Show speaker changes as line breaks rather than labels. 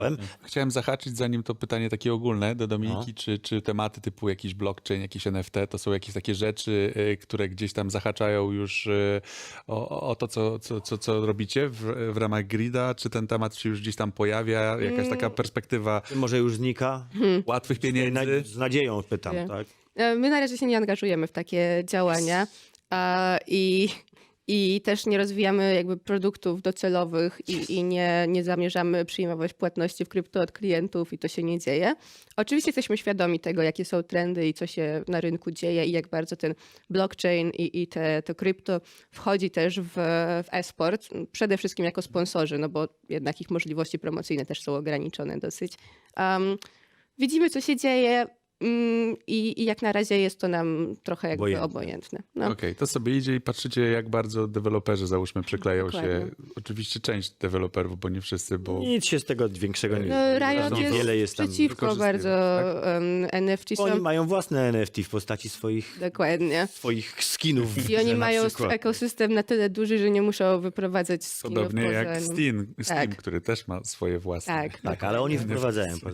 Chciałem zahaczyć, zanim to pytanie takie ogólne do Dominiki, czy tematy typu jakiś blockchain, jakiś NFT, to są jakieś takie rzeczy, które gdzieś tam zahaczają już o to, co robicie w ramach Grida? Czy ten temat się już gdzieś tam pojawia? Jakaś taka perspektywa
Może już znika?
łatwych pieniędzy?
Z nadzieją pytam,
Nie.
tak?
My na razie się nie angażujemy w takie działania i też nie rozwijamy jakby produktów docelowych i nie zamierzamy przyjmować płatności w krypto od klientów i to się nie dzieje. Oczywiście jesteśmy świadomi tego, jakie są trendy i co się na rynku dzieje i jak bardzo ten blockchain i to krypto wchodzi też w e-sport, przede wszystkim jako sponsorzy, no bo jednak ich możliwości promocyjne też są ograniczone dosyć. Widzimy, co się dzieje. I jak na razie jest to nam trochę jakby obojętne. No.
Okej, to sobie idzie i patrzycie, jak bardzo deweloperzy, załóżmy, przykleją
Dokładnie.
się. Oczywiście część deweloperów, bo nie wszyscy, bo...
Nic się z tego większego nie
No, Riot
Zresztą
jest
Wiele jest tam.
przeciwko
wykorzystuje,
bardzo NFT
Oni
są.
mają własne NFT w postaci
Dokładnie.
swoich skinów.
I oni
na
mają
przykład.
ekosystem na tyle duży, że nie muszą wyprowadzać skinów
Podobnie
poza
jak
nim.
Steam,
Tak.
który też ma swoje własne.
Tak.
Tak, ale oni wprowadzają.